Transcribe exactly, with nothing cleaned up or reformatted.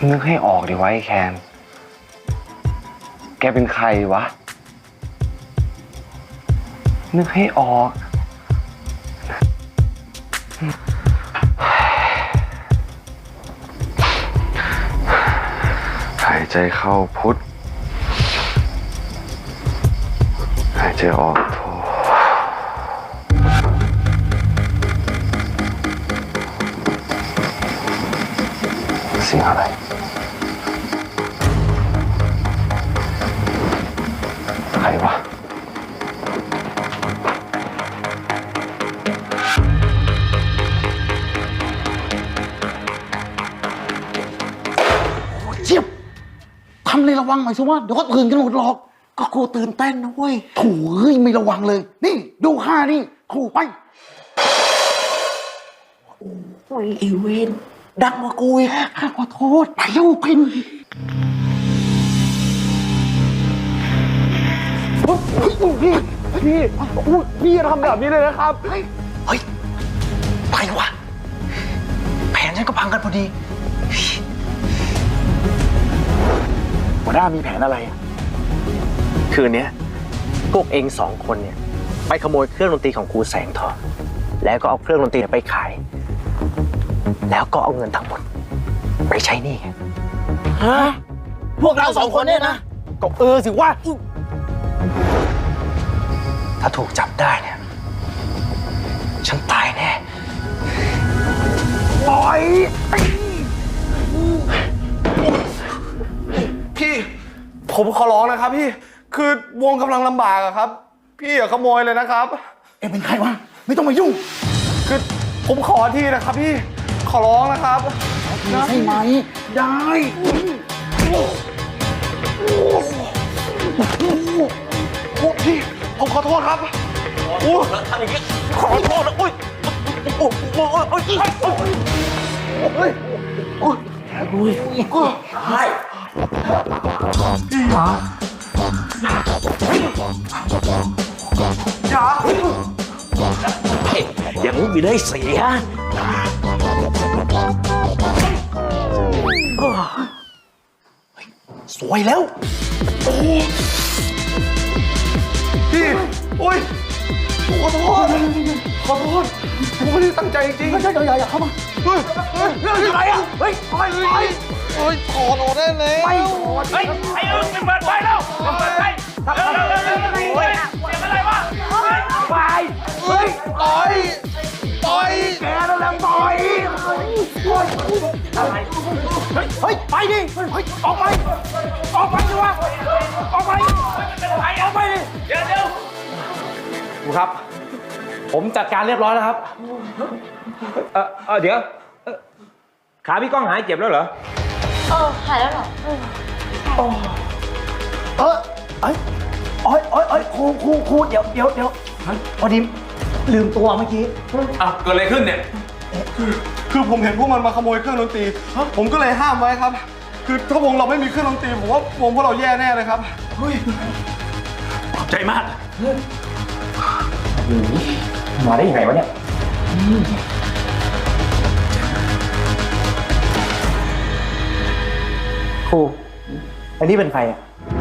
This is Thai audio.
นึกให้ออกดิวะไอ้แคนแกเป็นใครวะนึกให้ออกหายใจเข้าพุทธหายใจออกโธเสียงอะไรใครวะเจี๊ยบทำเลยระวังหน่อยสิว่าเดี๋ยวก็ตื่นกันหมดหรอกก็ครูตื่นเต้นนะเว้ยโถ่เฮ้ยไม่ระวังเลยนี่ดูข้านี่ครูไปโอ้ยอีเวนดังกว่ากูอีกข้าขอโทษไปเร็วพินเฮ้ยพี่พี่พี่อย่าทำแบบนี้เลยนะครับเฮ้ยเฮ้ยไปวะแผนฉันก็พังกันพอดีหัวหน้ามีแผนอะไรคืนนี้พวกเองสองคนเนี่ยไปขโมยเครื่องดนตรีของครูแสงทองแล้วก็เอาเครื่องดนตรีไปขายแล้วก็เอาเงินทั้งหมดไปใช้หนี้ฮะพวกเราสองคนเนี่ยนะก็เออสิว่าถ้าถูกจับได้เนี่ยฉันตายแน่ปล่อยพี่ผมขอร้องนะครับพี่คือวงกำลังลำบากอะครับพี่อย่าขโมยเลยนะครับเอ็งเป็นใครวะไม่ต้องมายุ่งคือผมขอทีนะครับพี่ขอร้องนะครับใช่ไหมได้โอ้พี่ผมขอโทษครับโอ้ทำอย่างนี้ขอโทษนะอุ้ยโอ้โหโอ้ยโอ้ยโอ้ยโอ้ยโอ้ยใช่จ๋าอย่างนี้ไม่ได้เสียสวยแล้วพี่โอ้ยขอโทษขอโทษผมไม่ได้ตั้งใจจริงๆไม่ใช่อย่าอย่าเข้ามาเฮ้ยเฮ้ยเรื่องอะไรอ่ะเฮ้ยไปไปเฮ้ยถอนออกได้แล้วไม่ถอนเฮ้ยไอ้เอิงเปิดไฟแล้วเปิดไฟเร็วเร็วเร็วเร็วเร็วเฮ้ยเสียงอะไรวะไฟเฮ้ยต่อยต่อยแกนั่นแหละต่อยอะไรเฮ้ยไปดิเฮ้ยออกไปออกไปดิวะออกไปเป็นไฟออกไปดิเดี๋ยวเดี๋ยวครูครับผมจัดการเรียบร้อยแล้วครับเออเออเดี๋ยวขาพี่ก้องหายเจ็บแล้วเหรอเออหายแล้วเหรอเออเออเอ้ยโอ้ยโอ้ยโอ้ยครูครูครูเดี๋ยวเดี๋ยวเดี๋ยวพอดีลืมตัวเมื่อกี้อ้าวเกิดอะไรขึ้นเนี่ยคือคือผมเห็นพวกมันมาขโมยเครื่องดนตรีผมก็เลยห้ามไว้ครับคือถ้าวงเราไม่มีเครื่องดนตรีผมว่าวงพวกเราแย่แน่เลยครับเฮ้ยขอบใจมากมาได้ยังไงวะเนี่ยครูอันนี้เป็นใครอ่ะ